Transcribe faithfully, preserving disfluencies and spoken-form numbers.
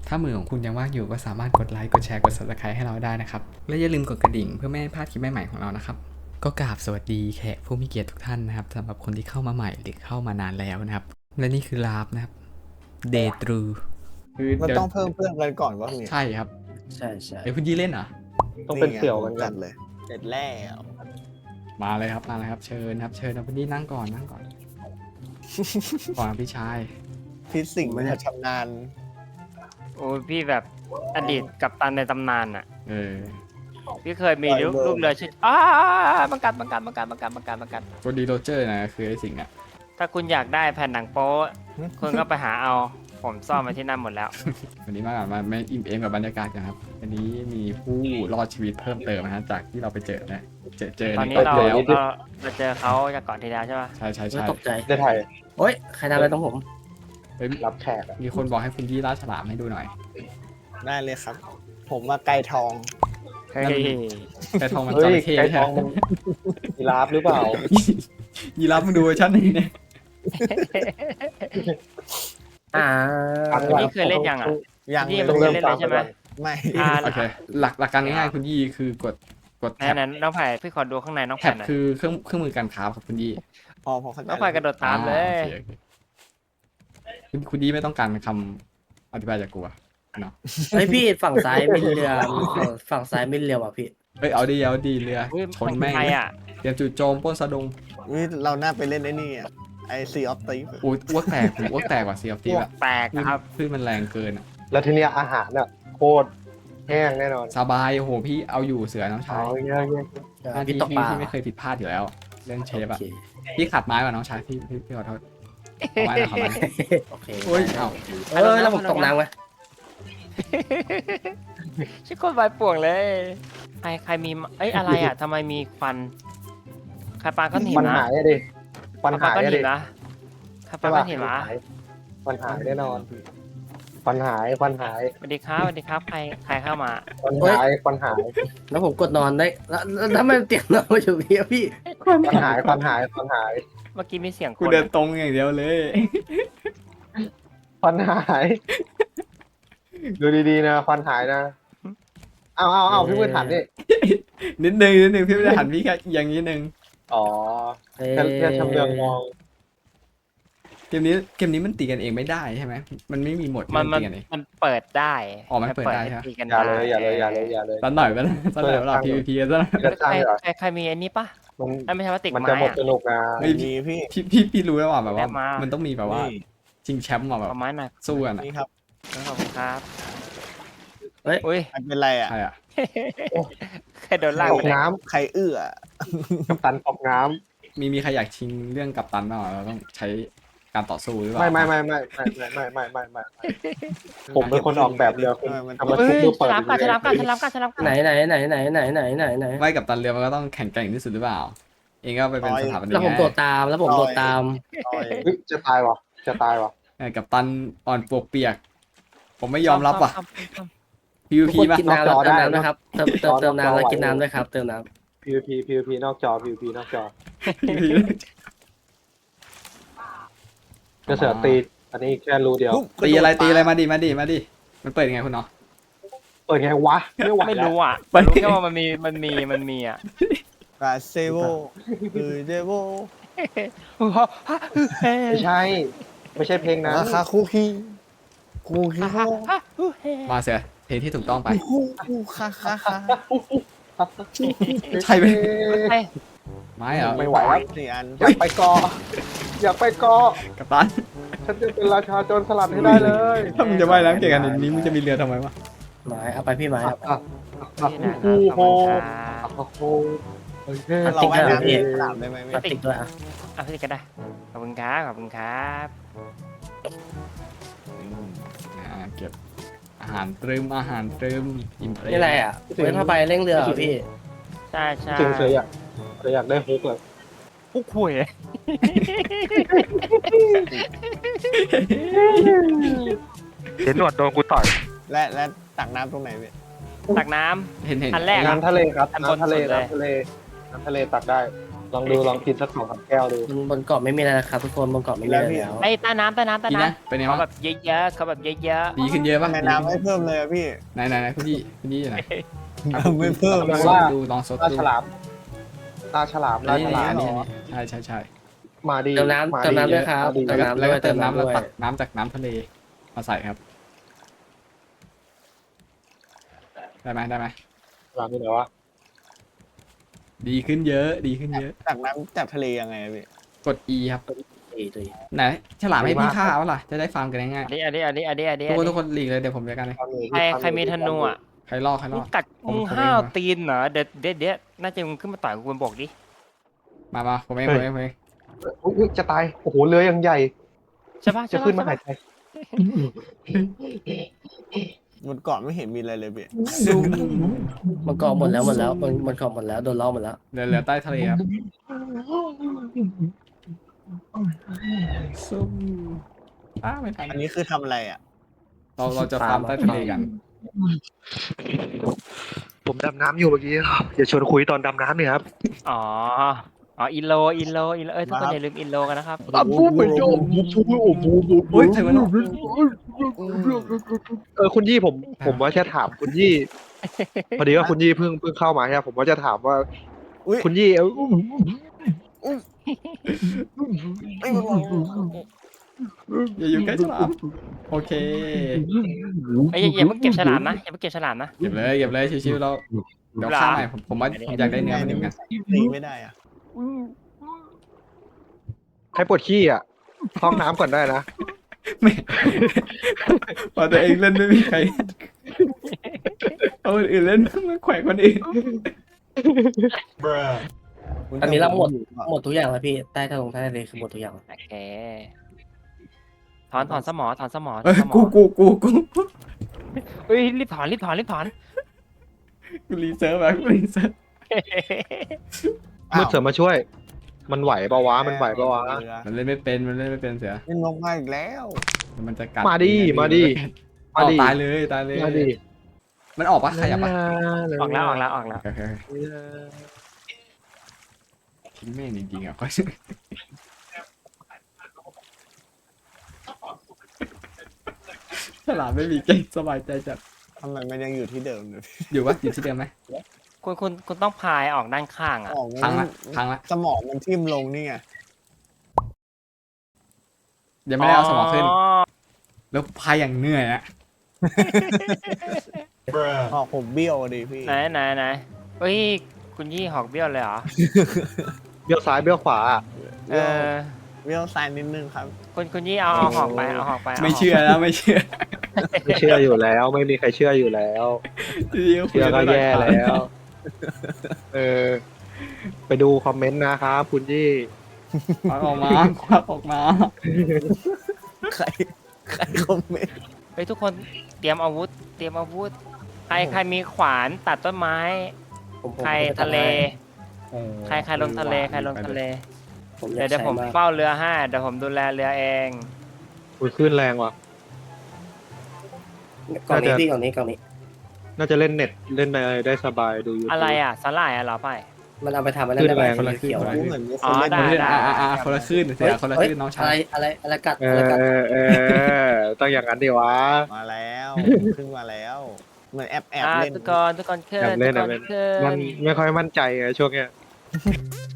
ถ้ามือของคุณยังว่างอยู่ก็สามารถกดไลค์กดแชร์กด ซับสไครบ์ ให้เราได้นะครับและอย่าลืมกดกระดิ่งเพื่อไม่ให้พลาดคลิปใหม่ๆของเรานะครับก็กราบสวัสดีแขกผู้มีเกียรติทุกท่านนะครับสำหรับคนที่เข้ามาใหม่หรือเข้ามานานแล้วนะครับและนี่คือลาฟนะครับเดทรูคือมันเดี๋ยวต้องเพิ่มเพื่อนกันก่อนวะเนี่ยใช่ครับใช่ใช่เดี๋ยวคุณยี่เล่นเหรอต้องเป็นเสี่ยวกันจัดเลยเสร็จแล้วมาเลยครับมาเลยครับเชิญครับเชิญนะคุณยี่นั่งก่อนนั่งก่อน ก่อนพี่ชายพิษสิ่งมันจะชำนาญโอ้ยพี่แบบอดีตกัปตันในตำนานอ่ะเออพี่เคยมีลูกลูกเรือชื่ออ้าบังกัดบังกัดบังกัดบังกัดบังกัดบังกัดโกดีโรเจอร์นะคือไอ้สิ่งอ่ะถ้าคุณอยากได้แผ่นหนังโป๊คุณก็ไปหาเอาผมซ่อนไว้ที่นั่นหมดแล้ววันนี้มาก่อนมาไม่อิ่มเอมกับบรรยากาศกันครับวันนี้มีผู้รอดชีวิตเพิ่มเติมนะฮะจากที่เราไปเจอนะเจอเจอตอนนี้ใเราแล้วเราเราเจอเขาจากก่อนที่แล้วใช่ป่ะใช่ใช่ไม่ใช่ตกใจได้ถ่ายโอ๊ยใครทำอะไรต้องผมเฮ้ยรับแขกอะมีคนบอกให้คุณยี่ล่าฉลามให้ดูหน่อยได้เลยครับ ผมมาไก่ทองเฮ้ยแต่ทองมันจเฮ้ระยเข้ไก่ใช่ทไหมองมันยีราฟหรือเปล่ายีรับมึงดูเวอร์ชันนี้เนี่ยอ่านี่เคยเล่นยังอ่ะยังนี่เลมันยเคยเล่นเลยใช่ไหมไม่อ่าโอเคหลักหลักการง่ายๆคุณยี่คือกดกดไหนแท็บนั้นน้องไผ่พี่ขอดูข้างในน้องแท็ไผ่บหน่อยคือเครื่องเครื่องมือการค้าครับคุณยี่พอพอเข้าใจน้องไผ่กระโดดตามเลยอ่าโอคโอเคคุณคุณยี่ไม่ต้องการคำอธิบายจากกูอะเนาะเฮ้ยพี่ฝั่งซ้ายมีเรือฝั่งฝั่งซ้ายมีเรือว่ะพี่เฮ้ยเอาดีเอาดีเรืออุ้ยชนแม่งใครอ่ะเตรียมจู่โจมปล้นสะดงนี่เราน่าไปเล่นไอ้นี่อ่ะไอซีออฟตีฟอ้วอ้วกแตกผมอ้วกแตกกว่าเซียฟตีแบบแตกครับคลื่นมันแรงเกินอะแล้วทีเนี้ยอาหารอ่ะโคตรแห้งแน่นอนสบายโอ้โหพี่เอาอยู่เสือน้องชาเอายเงี้ยเงี้ยเออหน้าพี่ที่ตกปพี่ลาพี่ไม่เคยผิดพลาดอยู่แล้ว เรื่องเชฟโออะเคพี่ขัดไม้กว่าน้องชายพี่พี่พี่ขอโทษเอาไม้หนะขอไม้โอเคโอ้ยเอ้าเออแล้วผมตกน้ำไว้ชิคก้นใบป่วงเลยใครใครมีเอ้ยอะไรอ่ะทำไมมีควันใครปาก้อนหินปัญนะหายอะดิปัญใครปาหายก้อนอะหิดินนะใครปาก้อนหินวะปัญหายแน่นอนปัญหายปัญหายสวัสดีครับสวัสดีครับใครใครเข้ามาปัญหายปัญหายแล้วผมกดนอนได้แล้วแล้วทำไมเตียงนอนมาอยู่พี่อะพี่ปัญหายปัญหายปัญหายเมื่อกี้มีเสียงคกูนเดินตรงอย่างเดียวเลยปัญหายดูดีๆนะปัญหายนะเอาเอาเอาพี่มือถันนี่นิดนึงนิดนึงพี่ไม่ได้หันพี่แค่อย่างนี้นึงอ๋อเอ้ยแค่แค่ชำเลืองมองเกมนี้เกมนี้มันตีกันเองไม่ได้ใช่ไหมมันไม่มีโหมดที่มันมันมันตีกันเองมันเปิดได้อ๋อมันเปิดได้ใช่ไหมให้ตีกันอย่าได้เลยอย่าเลยอย่าเลยอย่าเลยสักหน่อยไปแล้วสักหน่อยเวลา PVP ซะหน่อยจะสร้างใครเหรอใครใครมีอันนี้ปะมันไอ้ไม่ใช่พลาสติกมันไม้จะหมดอะสนุกนะไม่มีพี่พี่พี่พี่รู้แล้วว่าแบบว่าแวะมามัมันต้องมีแบบว่านี่ชิงแชมป์มาแบบเอาไม้หน่อยสู้กันอะนี่ครับขอบคุณครับเฮ้ยอุ้ยมันเป็นไรอ่ะใช่อ่ะใครโดนลากตไปกเนี่ยน้ใครเอื้อำกัปตันตกน้มีมีใครอยากชิงเรื่องกัปตันบ้างเราต้องใช้การต่อสู้หรือเปำล่าไม่ไม่ไม่ไม่ไม่ไม่ไม่ไม่ไม่ไม่ผมเป็นคนออกแบบเรือคุณทำมาเฮ้ทุยบเพื่อฉเปิดลามกัดฉลามกัดฉลามกัดฉลามกัดไหนไหนไหนไหนไหนไหนไหนไหนไม่กัปตันเรือมันก็ต้องแข่งแกร่งที่สุดหรือเปล่า เองก็ไปเป็นสถาปนิกแล้วผมไงโดดตามแล้วผมโดดตามต่อยเฮ้ยจะตายวะจะตายวะเออกัปตันอ่อนปวกเปียก ผมไม่ยอมรับว่ะซ่อมซ่อมทุก PVP คนป่ะกินน้ำแล้วเติมน้ำนะครับเติมเติมเติมน้ำแล้วกินน้ำด้วยครับเติมน้ PVP PVP นอกจอ PVP นอกจอ PVP กระเสือตีอันนี้แค่รูเดียวตีอะไรตีอะไรมาดิมาดิมาดิมันเปิดยังไงคุณเนาะเปิดไงวะไม่ไหวไม่แล้วรู้อ่ะไปรู้แค่ว่ามันมีมันมีมันมีอ่ะกาเซโวคือเดโวไม่ใช่ ไม่ใช่เพลงนั้นราคาคุกกี้คุกกี้มาเสียเพลงที่ถูกต้องไปคุกคุกคาคาคาใช่ไหมเฮ้ยไม่เหรอไม่ไหวแล้วสี่อันอยากไปเกาะอยากไปเกาะกัปตันฉันจะเป็นราชาโจรสลัดให้ได้เลยถ้ามึงจะว่ายน้ำเก่งขนาดนี้มึงจะมีเรือทำไมวะำไม้เอาไปพี่ไม้ครับอ่ะอ่ะนี่นะคโอ้รับขอบโหคุณครับโอ้โหโอเคเราว่ายน้ำเองสนามได้ไหมพลาสติกด้วยอ่ะอ่ะพี่ก็ได้ขอบคุณครับขอบคุณครับอ่าเก็บอาหารตรึมอาหารตรึมอิมเพรสนี่อะไรอ่ะเว้นผ้าใบเร่งเรือเหรอพี่ใช่ใช่จริงเคยอยากเคยอยากได้ฮุกเลยปุ๊กคุยเห็นหนวดโดนกูต่อยและและตักน้ำตรงไหนพี่ตักน้เห็นเห็นอันแรกน้ำทะเลครับอันบนน้ำทะเลสุดเลยน้ำทะเลน้ำทะเลตักได้ลองดูลองกินสักสองสามแก้วดูบนบนเกาะไม่มีอะไรนะครับทุกคนบนเกาะไม่มีอะไรแล้วไอ้ใต้น้ำใต้น้ำใต้ดีน้นะเป็นไงำเขาวะแบบเยอะๆเขาแบบเยอะดีขึ้นเยอะปะแม่น้ำไม่เพิ่มเลยอะพี่ไหนไหนไหนคุณยี่คุณยี่อยู่ไหนน้ำไม่เพิ่มลองเลยซดดูลองซดปลาดูฉลามปลาฉลามอัปนลานี้ฉอัลาน มนี้อันนี้ใช่ใช่ใช่มาดีเติมน้ำมาเติมน้ำด้วยครับมาดีเติแล้วมก็น้ำแล้วด้วก็ยเติมน้ำด้แล้ววยตักน้ำจากน้ำทะเลมาใส่ครับ ได้ไหมได้ไหมฉลามที่ไหนวะดีขึ้นเยอะดีขึ้นเยอะจากน้ำจากทะเลยังไงอะพี่กด E ครับอีตัวอีไหนฉลามให้พี่ฆ่าเอาล่ะจะได้ฟาร์มกันง่ายๆอันนี้อันนี้อันนี้อันนี้อันนี้ๆทุกคนทุกคนหลีกเลยเดี๋ยวผมจัดการเลยใครใครมีธนูอ่ะใครล่อใครล่มึองกัดผมมึงผมห้าวเองตีนเหรอเด็ดเด็ดเด็ดน่าจะมึงขึ้นมาต่อยกูบนบกดิมามาผมเองผมเองผมเองอุ๊ยอุ๊ยจะตายโอ้โหเรือยังใหญ่ใช่ปะจะใช่ปะขึ้นมาใช่หาปะยใจบนเกาะไม่เห็นมีอะไรเลยพี่ซุ่มบนเกาะหมดแล้วหมดแล้วบนบนเกาะหมดแล้วโดนล้อหมดแล้วเหลือเหลือใต้ทะเลครับซุ่มอ้าไม่ทันอันนี้คือทำอะไรอ่ะเราเราจะฟาร์มใต้ทะเลกันผมดำน้ำอยู่เมื่อกี้อย่าชวนคุยตอนดำน้ำเนี่ยครับอ๋ออ๋ออินโลอินโลอินโลเอ้ยทุกคนอย่าลืมอินโลกันนะครับอ่ะบูมไปโดมบูมบูมบูมบูมบูมเฮ้ยใครวะเนาะเออคุณยี่ผมผมว่าจะถามคุณยี่พอดีว่าคุณยี่เพิ่งเพิ่งเข้ามาใช่ไหมผมว่าจะถามว่าอุ้ยคุณยี่เอ้าเอ้ยมันบอกอย่าอยู่ใกล้ฉลามโอเคเอ้ยอย่าอย่าเพิ่งเก็บฉลามนะอย่าเพิ่งเก็บฉลามนะเก็บเลยเก็บเลยชิวๆเราเดี๋ยวฆ่าใหม่ผมผมว่าผมอยากได้เนื้อมันเหมือนกันตีไม่ได้อ่ะใครปวดขี้อ่ะห้องน้ำก่อนได้นะไม่พอตัวเองเล่นไม่มีใครเอาคนอื่นเล่นมาแขวะคนอื่นอันนี้เราหมดหมดทุกอย่างแล้วพี่ใต้ทะลงใต้ทะเลคือหมดทุกอย่างโอเคถอนถอนสมอถอนสมอถเอ้อนยสมอกูกูกูกูเฮ้ยรีบถอนรีบถอนรีบถอนกูรีเซิร์ฟแบบกูรีเซิร์ฟมืดเสริมมาช่วย มันไหวปะวะมันไหวปะวะเรือมันเล่นไม่เป็นมันเล่นไม่เป็นเสียนี่ลงมาอีกแล้วมันจะกัดมาดิมาดิเอาตายเลยตายเลยมาดิมันออกปะใครอยากปะออกแล้วออกแล้วออกแล้วโอเคโอเคแม่งจริงๆอ่ะ ฉลามไม่มีเก่งสบายใจจัดทำไมมันยังอยู่ที่เดิมเลยอยู่ปะอยู่ที่เดิมไหมคุณคุณคุณต้องพายออกด้านข้างอ่ะออกพังละพังละสมองมันทิ่มลงนี่ไงยังไม่ได้เอาสมองขึ้น แล้วพายอย่างเหนื่อยอะออกผมเบี้ยวอะดิพี่ไหนไหนไหนเฮ้ยคุณยี่หอกเบี้ยวเลยเหรอเบี้ยวซ้ายเบี้ยวขวาอะเออเบี้ยวซ้ายนิดนึงครับคุณคุณยี่เอาเอาหอกไปเอาหอกไปาหกไม่เชื่อแล้วไม่เชื่อไม่เชื่ออยู่แล้ว ไม่มีใครเชื่ออยู่แล้ว เชื่อก็แย่แล้ว เออ ไปดูคอมเมนต์นะครับคุณยี่ควักออกมาควักออกมาใครใครคอมเมนต์เฮ้ยทุกคนเตรียมอาวุธ เตรียมอาวุธ ใครใครมีขวานตัดต้นไม้ผมผมใครผมทะเลโอ้ใครใครลงทะเลใครลงทะเลผมอเดี๋ยาย กวเดี๋ยวใช้ผมมากเฝ้าเรือให้เดี๋ยวผมดูแลเรือเองอุ้ยขึ้นแรงว่ะกล่องนี้น่าจะพี่กล่องนี้กล่องนี้น่าจะเล่นเน็ตเล่นอะไรได้สบายดูยูทูบอะไรอ่ะสลายอ่ะเหรอไปมันเอาไปทำอะไรได้ไหมขึ้นแรงเขียวๆอะรู้เหมือนมีคอ๋นอเล่นได้คนละได้อ่าอ่าคนละคลื่นเสียคนละคลื่นน้องอะชาไรยอะไรอะไรกัดเออะไรอกัดเออเออต้องอย่างนั้นดิวะมาแล้วขึ้นมาแล้ว เหมือนแอบแอบอ่าเล่นทุกคนทุกคนขึ้นอยากเล่นทุกอะคนเล่นขึ้มันนไม่ค่อยมั่นใจไงช่วงเนี้ย